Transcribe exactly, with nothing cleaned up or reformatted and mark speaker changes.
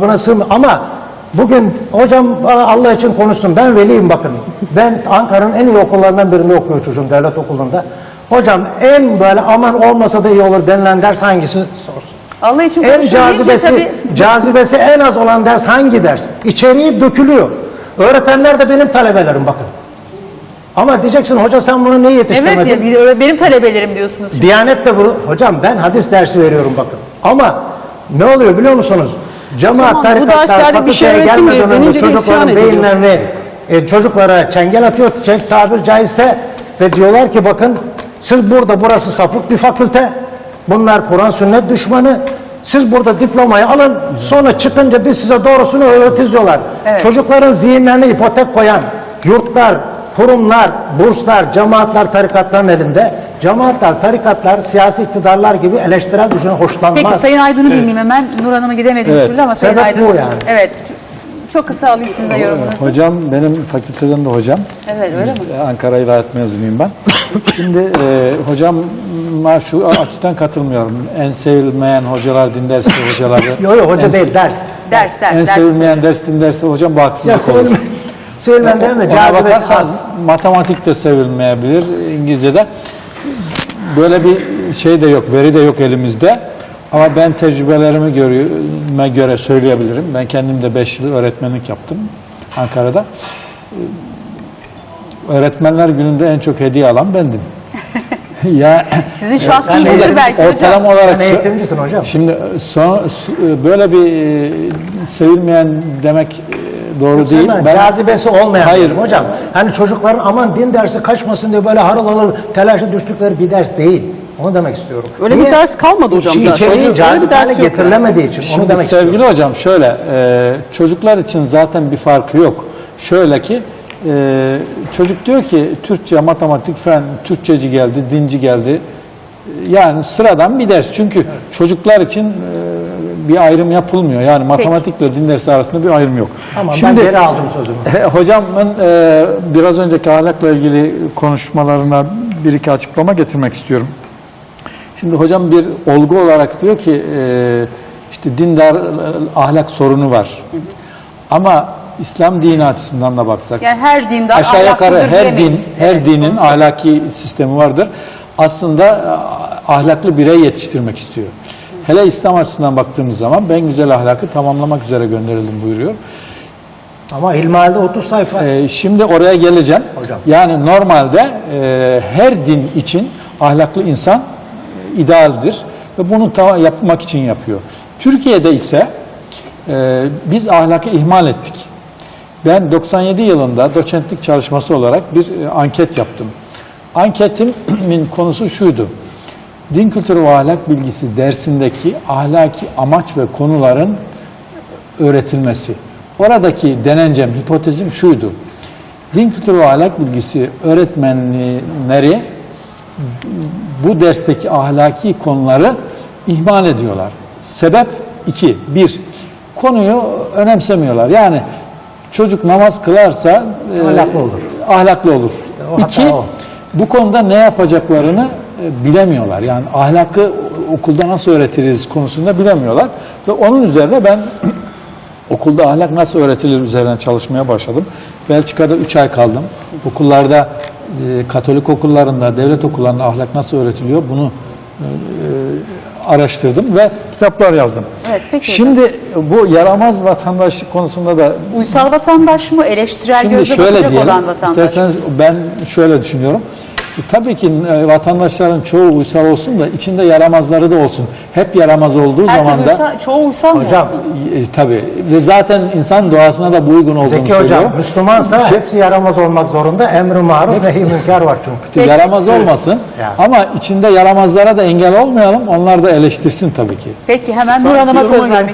Speaker 1: kabına sığmıyor. Ama bugün hocam Allah için konuştum. Ben veliyim bakın. Ben Ankara'nın en iyi okullarından birinde okuyor çocuğum, devlet okulunda. Hocam en böyle aman olmasa da iyi olur denilen ders hangisi sorsun.
Speaker 2: Allah için
Speaker 1: En
Speaker 2: konuşuyor
Speaker 1: cazibesi,
Speaker 2: tabii.
Speaker 1: cazibesi en az olan ders hangi ders? İçeriği dökülüyor. Öğretmenler de benim talebelerim bakın. Ama diyeceksin hoca sen bunu niye yetiştirmedin?
Speaker 2: Evet ya, bir- benim talebelerim diyorsunuz. Şimdi.
Speaker 1: Diyanet de bunu, hocam ben hadis dersi veriyorum bakın. Ama ne oluyor biliyor musunuz? Cemaat,
Speaker 3: Tamam, bu
Speaker 1: tarikatlar,
Speaker 3: derslerde bir şey
Speaker 1: fakülteye
Speaker 3: öğretilmiyor
Speaker 1: gelmeden önce
Speaker 3: denince de isyan
Speaker 1: çocukların
Speaker 3: ediliyor.
Speaker 1: beyinlerini e, çocuklara çengel atıyor, çek, tabir caizse ve diyorlar ki bakın siz burada, burası sapık bir fakülte, bunlar Kur'an sünnet düşmanı, siz burada diplomayı alın, sonra çıkınca biz size doğrusunu öğretiriz diyorlar.
Speaker 2: Evet.
Speaker 1: Çocukların zihinlerine ipotek koyan yurtlar, kurumlar, burslar, cemaatler, tarikatların elinde. Cemaatler, tarikatlar, siyasi iktidarlar gibi eleştirel düşüne hoşlanmaz.
Speaker 2: Peki Sayın Aydın'ı dinleyeyim hemen. Nur Hanım'a gidemedim
Speaker 4: Evet.
Speaker 2: türlü ama Sayın
Speaker 1: Sebep
Speaker 2: Aydın.
Speaker 1: bu yani.
Speaker 2: Evet. Çok kısa alayım sizin de yorumunuzu.
Speaker 4: Hocam benim fakülteden de hocam.
Speaker 2: Evet öyle mi?
Speaker 4: Biz Ankara İlahiyat mezunuyum ben. Şimdi e, hocama şu açıdan katılmıyorum. En sevilmeyen hocalar din dersi hocaları.
Speaker 1: Yok yok hoca
Speaker 4: en,
Speaker 1: değil ders.
Speaker 2: Ders ders
Speaker 4: En
Speaker 2: ders.
Speaker 4: sevilmeyen ders din dersi hocam bu
Speaker 1: Ya
Speaker 4: haksızlık olur.
Speaker 1: sevilme, sevilmen değil mi?
Speaker 4: Ona
Speaker 1: Cazibesi
Speaker 4: bakarsan
Speaker 1: az.
Speaker 4: matematik de sevilmeyebilir İngilizce'de. Böyle bir şey de yok, veri de yok elimizde. Ama ben tecrübelerimi görüme göre söyleyebilirim. Ben kendim de beş yıl öğretmenlik yaptım Ankara'da. Öğretmenler gününde en çok hediye alan bendim. ya
Speaker 2: Sizin
Speaker 1: Ben
Speaker 2: şahsınızdır
Speaker 1: eğitim-
Speaker 2: belki hocam.
Speaker 4: ortalama olarak
Speaker 1: Sen eğitimcisin hocam.
Speaker 4: Şimdi son, böyle bir e, sevilmeyen demek e, doğru değil.
Speaker 1: Değil
Speaker 4: Ben,
Speaker 1: Cazibesi olmayan.
Speaker 4: Hayır.
Speaker 1: diyorum hocam. Hani çocukların aman din dersi kaçmasın diye böyle harıl harıl telaşa düştükleri bir ders değil. Onu demek istiyorum.
Speaker 3: Öyle bir ders kalmadı hocam
Speaker 1: İçi-
Speaker 3: zaten.
Speaker 1: İçeriği
Speaker 3: Öyle bir
Speaker 1: cazip
Speaker 3: ders
Speaker 1: hale
Speaker 3: yok
Speaker 1: getirilemediği için. Onu
Speaker 4: Şimdi
Speaker 1: demek
Speaker 4: sevgili
Speaker 1: istiyorum.
Speaker 4: hocam şöyle, e, çocuklar için zaten bir farkı yok. Şöyle ki, e, çocuk diyor ki Türkçe, matematik, fen, Türkçeci geldi, dinci geldi. Yani sıradan bir ders. Çünkü evet. çocuklar için e, bir ayrım yapılmıyor. Yani matematikle din dersi arasında bir ayrım yok.
Speaker 1: Tamam
Speaker 4: Şimdi,
Speaker 1: ben geri aldım sözümü.
Speaker 4: hocamın e, biraz önceki ahlakla ilgili konuşmalarına bir iki açıklama getirmek istiyorum. Şimdi hocam bir olgu olarak diyor ki e, işte dindar ahlak sorunu var. Hı hı. Ama İslam dini açısından da baksak
Speaker 2: Yani her dindar
Speaker 4: aşağı yukarı
Speaker 2: ahlaklıdır
Speaker 4: her din
Speaker 2: diyemeyiz.
Speaker 4: her
Speaker 2: Evet,
Speaker 4: dinin
Speaker 2: onu
Speaker 4: ahlaki sistemi vardır. Aslında ahlaklı birey yetiştirmek istiyor. Hele İslam açısından baktığımız zaman ben güzel ahlakı tamamlamak üzere gönderildim buyuruyor.
Speaker 1: Ama İlmihal'de otuz sayfa.
Speaker 4: Ee, şimdi oraya geleceğim.
Speaker 1: Hocam.
Speaker 4: Yani normalde e, her din için ahlaklı insan e, idealdir ve bunu ta yapmak için yapıyor. Türkiye'de ise e, biz ahlakı ihmal ettik. Ben doksan yedi yılında doçentlik çalışması olarak bir e, anket yaptım. Anketimin konusu şuydu. Din kültürü ve ahlak bilgisi dersindeki ahlaki amaç ve konuların öğretilmesi. Oradaki denencem, hipotezim şuydu. Din kültürü ve ahlak bilgisi öğretmenleri bu dersteki ahlaki konuları ihmal ediyorlar. Sebep iki. Bir, konuyu önemsemiyorlar. Yani çocuk namaz kılarsa
Speaker 1: Ahlaklı
Speaker 4: e,
Speaker 1: olur.
Speaker 4: Ahlaklı olur.
Speaker 1: o hata
Speaker 4: İki,
Speaker 1: o.
Speaker 4: bu konuda ne yapacaklarını e, bilemiyorlar. Yani ahlakı okulda nasıl öğretiriz konusunda bilemiyorlar. Ve onun üzerine ben okulda ahlak nasıl öğretilir üzerine çalışmaya başladım. Belçika'da üç ay kaldım. Okullarda, e, Katolik okullarında, devlet okullarında ahlak nasıl öğretiliyor bunu e, e, araştırdım ve kitaplar yazdım.
Speaker 2: Evet, peki
Speaker 4: Şimdi bu yaramaz vatandaşlık konusunda da
Speaker 2: Uysal vatandaş mı? Eleştirel
Speaker 4: Şimdi
Speaker 2: gözle
Speaker 4: şöyle
Speaker 2: bakacak
Speaker 4: diyelim,
Speaker 2: olan vatandaş mı?
Speaker 4: isterseniz ben şöyle düşünüyorum. E, tabii ki e, vatandaşların çoğu uysal olsun da içinde yaramazları da olsun. Hep yaramaz olduğu
Speaker 2: Herkes
Speaker 4: zaman da
Speaker 2: uysal, çoğu uysal mı
Speaker 1: Hocam,
Speaker 2: olsun?
Speaker 4: e, tabii ve zaten insan doğasına da bu uygun olduğunu
Speaker 1: Zeki
Speaker 4: söylüyor.
Speaker 1: hocam Müslümansa
Speaker 4: Şey-
Speaker 1: hepsi yaramaz olmak zorunda. Emr-i maruf nehy-i münker var çünkü.
Speaker 2: Peki.
Speaker 4: Yaramaz olmasın
Speaker 1: Yani.
Speaker 4: ama içinde yaramazlara da engel olmayalım. Onlar da eleştirsin tabii ki.
Speaker 2: Peki hemen Nur Hanım'a söz vermek